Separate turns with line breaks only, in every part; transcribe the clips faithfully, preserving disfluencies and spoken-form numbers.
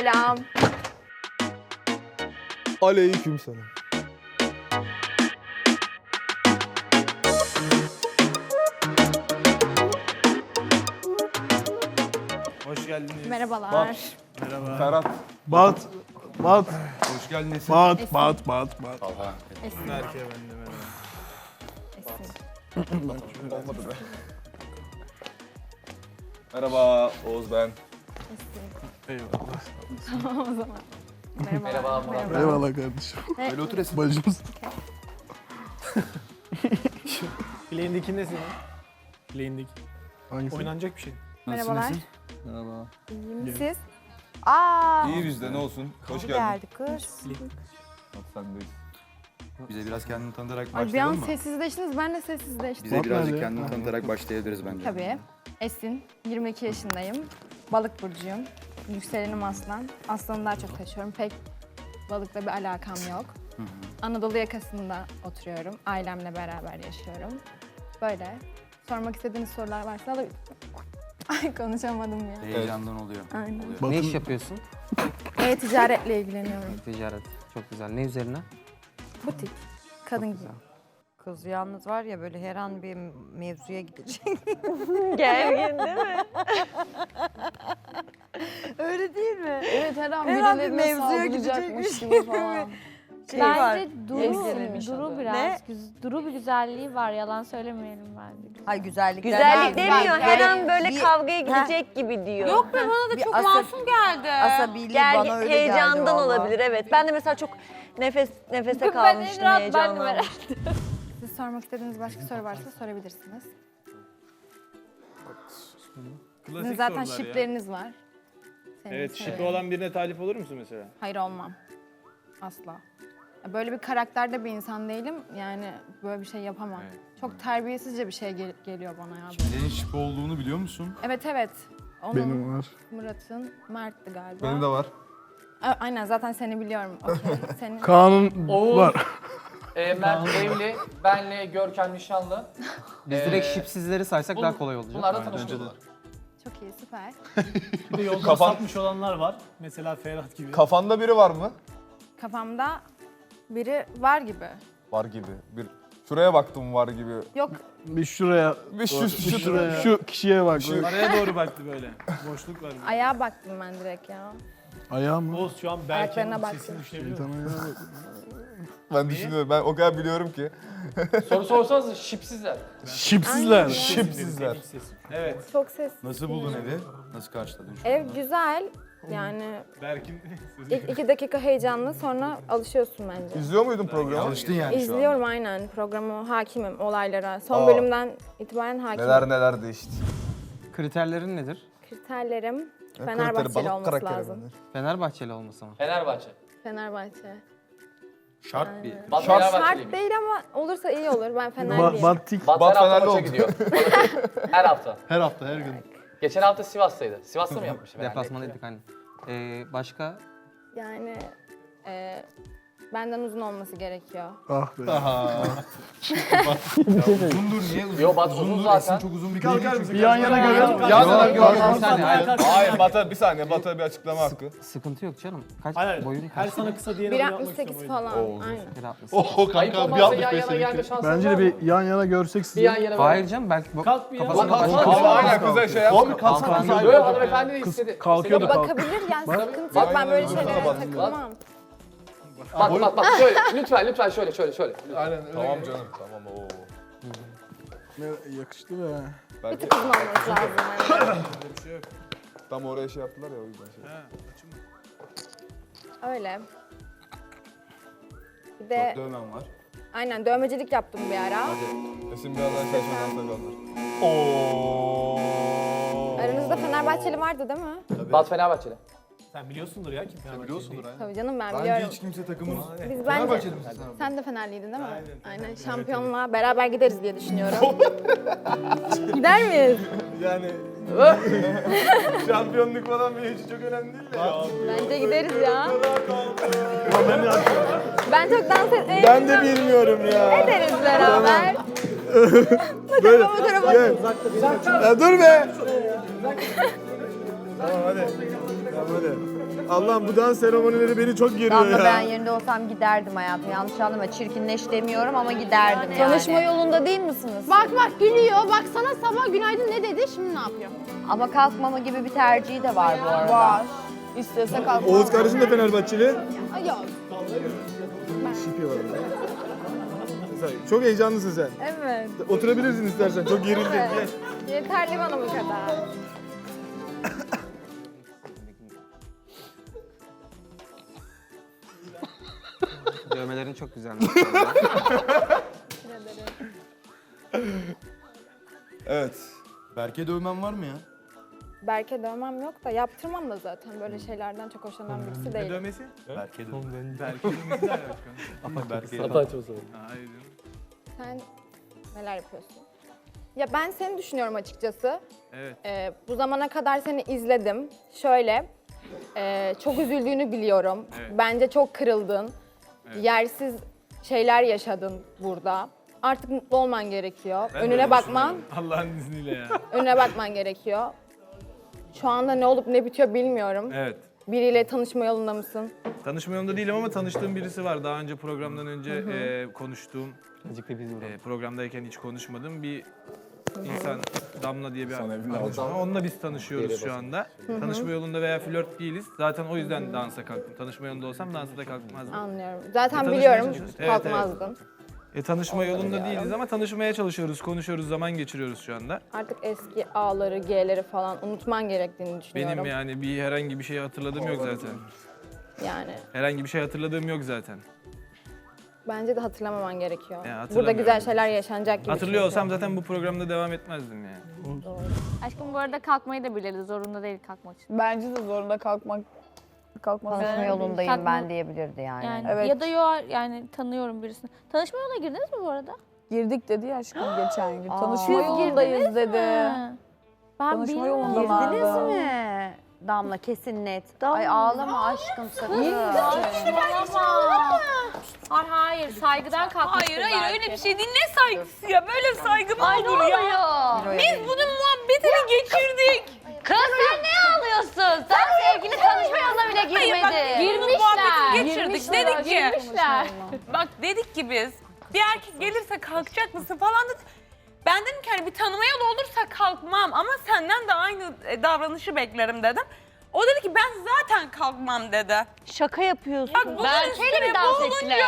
Selam.
Aleyküm selam.
Hoş geldiniz.
Merhabalar.
Merhaba.
Ferhat.
Bat, bat,
Hoş geldiniz.
bat, bat, bat, bat.
Esin.
Berke ben de merhaba.
Esin.
Olmadı be. Merhaba Oğuz ben.
Esin.
Eyvallah.
Tamam o zaman. Merhaba.
Merhaba, Murat.
Eyvallah kardeşim.
Ne?
Böyle otur Esin.
Bacımız.
Bileğindeki ne senin? Bileğindeki.
Hangisi?
Oynanacak bir şey.
Merhabalar.
Merhaba.
İyiyim siz? Aa.
İyi bizde ne olsun. Hoş geldin.
Geldi kız.
Bak sendeyiz.
Bize biraz kendini tanıtarak
Ay bir an
başlayalım mı?
sessizleştiniz, ben de sessizleştim.
Bize
Bak
birazcık
nerede?
kendini tanıtarak başlayabiliriz bence.
Tabii. Esin, yirmi iki yaşındayım. Balık burcuyum. Yükselenim aslan. Aslanı daha çok taşıyorum. Pek balıkla bir alakam yok. Anadolu yakasında oturuyorum. Ailemle beraber yaşıyorum. Böyle. Sormak istediğiniz sorular varsa alabilirim. Ay konuşamadım ya.
Heyecandan oluyor.
Aynen.
oluyor.
Batın-
Ne iş yapıyorsun?
E-ticaretle ilgileniyorum.
Ticaret. Çok güzel. Ne üzerine?
Butik. Kadın gibi.
Güzel.
Kız yalnız var ya böyle her an bir mevzuya gidecek.
Gergin değil mi?
Öyle değil mi?
Evet her an
Her an bir
birilerine
mevzuya
saldıracakmış
gidecekmiş
gibi falan.
Şey var.
Bence Duru,
Ezgilerin
Duru
adı.
biraz,
Ne?
güz- Duru bir güzelliği var. Yalan söylemeyelim bence.
Hay güzellik.
Güzellik
Güzellik
demiyor, her
an böyle
bir-
kavgaya gidecek gibi diyor.
Yok be bana da
Bir
çok
asa-
masum geldi.
Asabiliği
Gergin,
bana öyle
heyecandan
geldi vallahi.
olabilir evet. Ben de mesela çok nefes nefese
Yok, ben
kalmıştım
de rahat, ben de
heyecandan.
merak
Siz sormak istediğiniz başka soru varsa sorabilirsiniz. Sizin
Klasik
zaten
sorular ya.
şipleriniz var. Senin
Evet, şipi
söyle.
olan birine talip olur musun mesela?
Hayır olmam. Asla. Böyle bir karakterde bir insan değilim. Yani böyle bir şey yapamam. Çok terbiyesizce bir şey gel- geliyor bana ya.
Senin şipi olduğunu biliyor musun?
Evet evet. Onun,
Benim var.
Murat'ın, Mert'ti galiba.
Benim de var.
A- Aynen zaten seni biliyorum. Okey. Senin...
Kaan'ın
Oğuz.
var.
Ee, Mert evli, benle Görkem nişanlı.
Biz
Ee,
direkt şipsizleri saysak daha kolay olacak.
Bunlar da
Aynen,
tanışıyorlar.
Çok iyi süper.
Bir de yolda
Kafan-
sapmış olanlar var. Mesela Ferhat gibi.
Kafanda biri var mı?
Kafamda biri var gibi.
Var gibi. Bir şuraya baktım var gibi.
Yok
Bir şuraya,
Bir şu,
bir
şu,
şuraya.
şu,
Şu kişiye bak.
Şu-
Araya doğru baktı böyle. Boşluk var.
ayağa baktım ben direkt ya.
Ayağı mı?
Oğuz şu an
Ayaklarına
Berke'nin
baktım.
sesini düşünebiliyor
Şeytan
musun?
ayağı bak.
Ben düşünüyorum. Ben o kadar biliyorum ki.
Soru sorsanız şipsizler.
Şipsizler.
Şipsizler.
Benim sesim. Evet.
Çok ses.
Nasıl buldun evi? Nasıl karşıladın şu
Ev
anda?
güzel. Yani
Berk'in sesi.
ilk iki dakika heyecanlı sonra alışıyorsun bence.
İzliyor muydun programı?
Alıştın yani şu an.
İzliyorum aynen programı, hakimim olaylara. Son
Aa.
bölümden itibaren hakimim.
Neler neler değişti.
Kriterlerin nedir?
Kriterlerim
Karakteri,
Fenerbahçeli
balık
olması
karakteri
lazım.
bence.
Fenerbahçeli olması mı?
Fenerbahçe.
Fenerbahçe.
Şart bir.
Bat
Şart-
Şart
Fenerbahçeliymiş.
değil ama olursa iyi olur. Ben
Ba
Fenerliyim.
Battik.
Bat,
Bat
her hafta
Fenerli
maça
oldu.
gidiyor. her hafta.
Her hafta, her gün.
Geçen hafta Sivas'taydı. Sivas'ta mı yapmış?
Deplasmandaydık hani. Ee, başka?
Yani e, benden uzun olması gerekiyor.
Ah be.
Uzundur niye uzun?
Yo, Bat uzun
Uzundur,
zaten.
Esin çok uzun bir kız.
Bir yan yana görelim.
Yan yana
Yok,
görelim.
yok, bir saniye, hayır.
Hayır Bat'a bir saniye. Bat'a bir açıklama hakkı.
Sıkıntı yok canım. Kaç
Hayır,
boyun
her
kaç?
sana kısa diyene
bir
bunu yapmak
altmış sekiz
istiyorum.
falan.
Oo,
Aynen.
Bir altmış.
Oh
Ayıp
kanka, bir
olmazsa yan
altmış beş
yana gelme
seninki.
şansın
Bence
var
de
mı?
bir yan yana görsek
Bir
sizi.
yan yana
Hayır canım belki bu
Kalk bir ya.
kafasına
Kalk,
başka
kalk.
bir şey
Aynen
var.
kıza şey yapma.
kalksana.
Yo yo hanımefendi istedi.
kalkıyordu.
İstedi.
Bakabilir yani sıkıntı yok. Ben böyle şeylere takılmam.
Bak bak bak şöyle lütfen lütfen şöyle şöyle şöyle.
Tamam canım. Tamam oo.
Ne yakıştı be.
Bir
Belki
tık uzun olması lazım. Yani.
tam oraya şey yaptılar ya o yüzden şey.
Öyle. Bir de
Dövmen var.
aynen dövmecilik yaptım bir ara.
Esin birazdan şaşırdan sakallar. Oo.
Aranızda Fenerbahçeli vardı değil mi?
Bat Fenerbahçeli.
Sen biliyorsundur ya kim Fenerbahçe
Biliyorsundur aynen.
Tabii canım ben
Bence
biliyorum.
hiç kimse takımın...
Biz bence
Fenerbahçeli misin sen?
sen de Fenerliydin değil mi? Aynen. Şampiyonluğa beraber gideriz diye düşünüyorum. Gider miyiz?
Yani şampiyonluk falan benim için çok önemli değil ya.
Bence gideriz ya. Ben çok dans etmeyi
Ben de bilmiyorum ya.
ederiz beraber.
Böyle.
Bu tarafa
Gel. Ya dur be.
Tamam hadi. Tamam hadi. Allah'ım bu dans seremonileri beni çok geriyor
Damla
ya.
ben yerinde olsam giderdim hayatım. Yanlış anlama. Çirkinleş demiyorum ama giderdim yani.
Tanışma yolunda değil misiniz?
Bak bak gülüyor. Bak sana sabah günaydın ne dedi, şimdi ne yapıyor?
Ama kalkmama gibi bir tercihi de var bu arada.
Var. İstese kalkmaz.
Oğuz kardeşim de Fenerbahçeli.
Ay yok.
Şipi var. Sen çok heyecanlısın sen.
Evet.
Oturabilirsin istersen. Çok gerildin. Gel.
Yeterli bana bu kadar.
Dövmelerin çok güzel.
Evet. Berke dövmen var mı ya?
Berke dövmem yok da yaptırmam da zaten. Böyle şeylerden çok hoşlanan birisi
Ne
değilim.
dövmesi?
Berke dövmen.
Belki dövmesi ne alaka?
Ama Berke
Hata açma sonra.
Hayır.
Sen neler yapıyorsun? Ya ben seni düşünüyorum açıkçası.
Evet.
Ee, bu zamana kadar seni izledim. Şöyle, e, çok üzüldüğünü biliyorum.
Evet.
Bence çok kırıldın.
Evet.
Yersiz şeyler yaşadın burada. Artık mutlu olman gerekiyor.
Ben de
önüne
öyle
bakman,
düşünüyorum. Allah'ın izniyle ya.
önüne bakman gerekiyor. Şu anda ne olup ne bitiyor bilmiyorum.
Evet.
Biriyle tanışma yolunda mısın?
Tanışma yolunda değilim ama tanıştığım birisi var. Daha önce programdan önce e, konuştuğum,
Azıcık da biz vuralım.
e, programdayken hiç konuşmadığım bir insan, Damla diye bir
Sana evinde
arkadaşım var.
alacağım.
Onunla biz tanışıyoruz şu anda. Tanışma yolunda veya flört değiliz. Zaten o yüzden dansa kalktım. Tanışma yolunda olsam dansa da kalkmazdım.
Anlıyorum. Zaten
tanışmaya
biliyorum
çalışıyoruz. Evet,
kalkmazdın.
E, tanışma yolunda değiliz ama tanışmaya çalışıyoruz, konuşuyoruz, zaman geçiriyoruz şu anda.
Artık eski A'ları, G'leri falan unutman gerektiğini düşünüyorum.
Benim yani bir herhangi bir şey hatırladığım yok zaten.
Yani
Herhangi bir şey hatırladığım yok zaten.
bence de hatırlamaman gerekiyor.
Ya,
Burada
hatırlamıyorum.
güzel şeyler yaşanacak gibi.
Hatırlıyor
çünkü.
olsam zaten bu programda devam etmezdim yani.
Aşkım bu arada kalkmayı da biliriz. Zorunda değil kalkmak için.
Bence de zorunda kalkmak kalkmak.
Tanışma yolundayım
Kalkma-
ben diyebilirdi yani.
Yani
Evet.
ya da yo yani tanıyorum birisini. Tanışma yoluna girdiniz mi bu arada?
Girdik dedi ya aşkım geçen gün.
Aa.
Tanışma
Siz
yolundayız dedi.
Ha. Ben
Tanışma
bilmiyorum.
yolunda
Girdiniz
vardı.
mi? Damla kesin net. Ay ağlama aşkım sakın.
Saçmalama. Hayır hayır saygıdan kalkmıştır
Hayır hayır
belki.
öyle bir şey değil. Ne saygısı ya? Böyle saygı mı
Ay ne
olur ya?
oluyor?
Biz bunun muhabbetini geçirdik.
Kız sen ne ağlıyorsun? Sen sevgili tanışma yoluna bile
Hayır bak
girmedin.
biz bunun muhabbetini geçirdik.
Girmişler,
Dedik ki,
Girmişler.
bak dedik ki biz bir erkek gelirse kalkacak mısın falan dedik. Ben dedim ki hani bir tanıma yolu olursa kalkmam ama senden de aynı e, davranışı beklerim dedim. O dedi ki ben zaten kalkmam dedi.
Şaka yapıyorsun.
Bak bunun üstüne bu olunca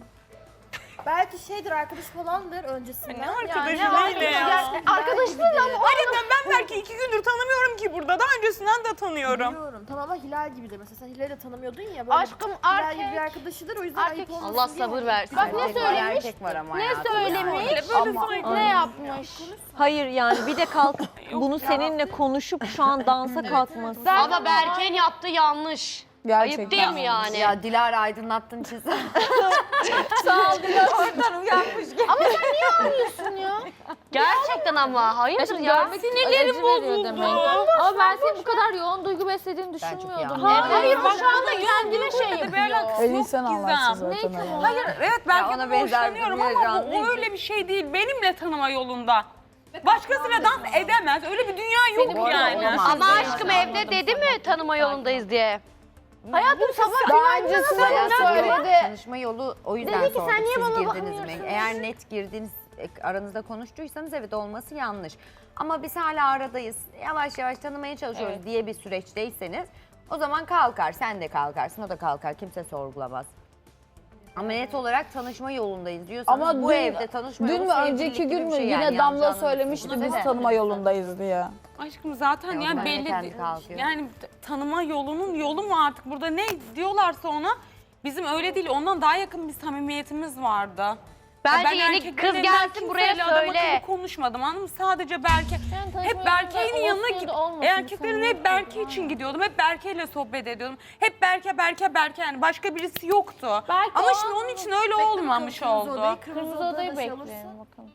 Belki şeydir, arkadaş falandır öncesinde.
ne arkadaşı neyle ya?
Arkadaşlarla mı?
Harbiden ben belki iki gündür tanımıyorum ki burada. Daha öncesinden de tanıyorum.
Biliyorum. Tamam ama Hilal gibidir. Mesela sen Hilal'i de tanımıyordun ya. Böyle
Aşkım
Hilal gibi bir
erkek.
arkadaşıdır, o yüzden
Erkek.
ayıp olmasın
Allah
diye
sabır
onu-
versin.
Bak ne
Erkek var,
söylemiş?
erkek var ama
Ne
hayatım.
söylemiş?
Böyle böyle
Ama-
saygı.
Ne yapmış?
Hayır yani bir de kalk bunu seninle konuşup şu an dansa kalkması.
Ama
Berke'nin yaptığı yanlış.
Gerçekten.
yani?
Ya Dilara aydınlattın çiz.
Gerçekten ama. Hayırdır ya?
Görmek sinirlerim bozuldu. Demek. Ama ben senin bu kadar yoğun duygu beslediğini
Ben çok
düşünmüyordum.
yanlış.
Evet.
Hayır
bak
şu anda kendine şey yapıyor.
Elin sen anlarsın zaten.
Ne
onu.
Hayır evet
Ya
belki
ona
de
benzer
hoşlanıyorum
bir
ama
heyecan
bu,
değil
o
ki.
öyle bir şey değil. Benimle tanıma yolunda. Başkasıyla dans edemez. Öyle bir dünya yok
bu arada
yani.
olamaz.
Ama
Ama
evde dedi mi tanıma yolundayız diye?
Hayatım sabah
Daha öncesinde de
Hayatım
söyledi.
tanışma yolu o yüzden
Dedi ki,
sorduk.
sen niye
Siz
bana
girdiniz mi?
bakmıyorsun?
Eğer net girdiniz, e, aranızda konuştuysanız evet olması yanlış. Ama biz hala aradayız, yavaş yavaş tanımaya çalışıyoruz
Evet.
diye bir süreçteyseniz o zaman kalkar, sen de kalkarsın, o da kalkar, kimse sorgulamaz. Ama net olarak tanışma yolundayız diyorsanız
Ama
bu
dün-
evde tanışma
Dün
yolu
mü
sevgililik
önceki
gibi
gün
bir
mü
şey
yine
yani,
Damla
yanlış
söylemişti biz
anlamışsınız.
tanıma yolundayız diye.
Aşkım zaten
E, o
yani
zaman
belli
kendi
değil.
kalkıyor.
Yani t- tanıma yolunun yolu mu artık burada ne diyorlarsa ona bizim öyle değil. Ondan daha yakın bir samimiyetimiz vardı.
Bence
ben
yeni
erkeklerin
kız
elinden
gelsin buraya
kimseyle adam
söyle.
akıllı konuşmadım anladın mı? Sadece Berke.
Yani tanışma
Hep Berke'nin
yolunda
yanına
olsun ya
git.
da olmasın,
Erkeklerin hep
samimiyet
Berke
yok.
için gidiyordum. Hep Berke'yle sohbet ediyordum. Hep Berke, Berke, Berke yani başka birisi yoktu.
Belki
Ama
o
şimdi
an
onun için öyle olmamış oldu.
Kırmızı odayı bekleyelim bakalım.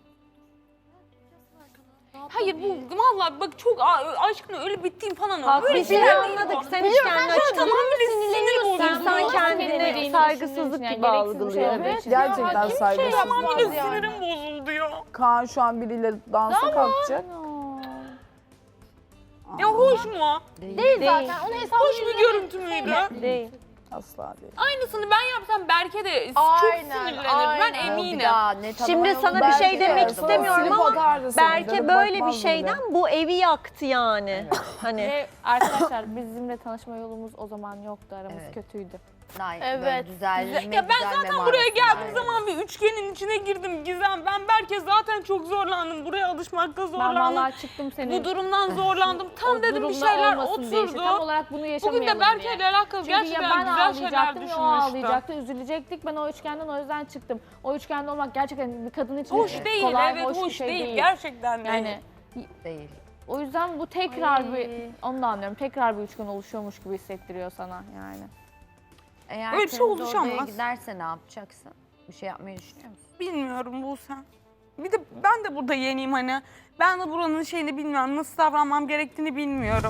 Hayır bu vallahi bak çok a- aşkına öyle bittiğim falan oldu.
Bak
Böyle
biz
şeyler
de
değil
anladık.
bu.
Sen hiç kendini açıklamadın.
Tamamen sinirleniyorsun.
İnsan kendini saygısızlık gibi algılıyor. Gerçekten saygısızlık.
Tamamıyla sinirim bozuldu ya.
Kaan şu an biriyle dansa kalkacak.
Ya hoş mu?
Değil zaten. Onu hesabı
Hoş bir görüntü müydü?
Değil. Asla değil.
Aynısını ben yapsam Berke de
Aynen,
çok sinirlenir. Ben
aynen.
eminim.
Bir daha ne tanıma
Şimdi
yolu
sana bir
belki
şey
de
demek
yazdı.
istemiyorum
Silip
ama
atardı seni,
Berke
dönüp
böyle bir
bakmazdı
şeyden bu evi yaktı yani. Hani
Ve arkadaşlar bizimle tanışma yolumuz o zaman yoktu. Aramız
Evet.
kötüydü.
Daha
Evet.
böyle düzelme,
Ya ben
düzelme
zaten buraya
manasında.
geldiğim zaman bir üçgenin içine girdim Gizem. Ben Berke zaten çok zorlandım. Buraya alışmakta
Ben
zorlandım.
vallahi çıktım senin.
Bu durumdan zorlandım. Tam
o
dedim bir
durumda
şeyler
olmasın diye işte. Tam
oturdu.
olarak bunu yaşamayalım
Bugün de Berke
diye.
ile alakalı
Çünkü ya
gerçekten
ben
güzel şeyler
ağlayacaktım ya o
düşünmüştüm.
ağlayacaktı, üzülecektik. Ben o üçgenden o yüzden çıktım. O üçgende olmak gerçekten bir kadın için
Hoş değil,
kolay,
evet
hoş,
hoş,
bir şey
değil.
değil.
Gerçekten değil.
Yani
Değil.
o yüzden bu tekrar
Ay.
bir, onu da anlıyorum, tekrar bir üçgen oluşuyormuş gibi hissettiriyor sana yani.
Eğer
Öyle bir şey
temiz odaya
oluşamaz.
giderse ne yapacaksın? Bir şey yapmayı düşünüyor musun?
Bilmiyorum Buse. Bir de ben de burada yeniyim hani. Ben de buranın şeyini bilmiyorum. Nasıl davranmam gerektiğini bilmiyorum.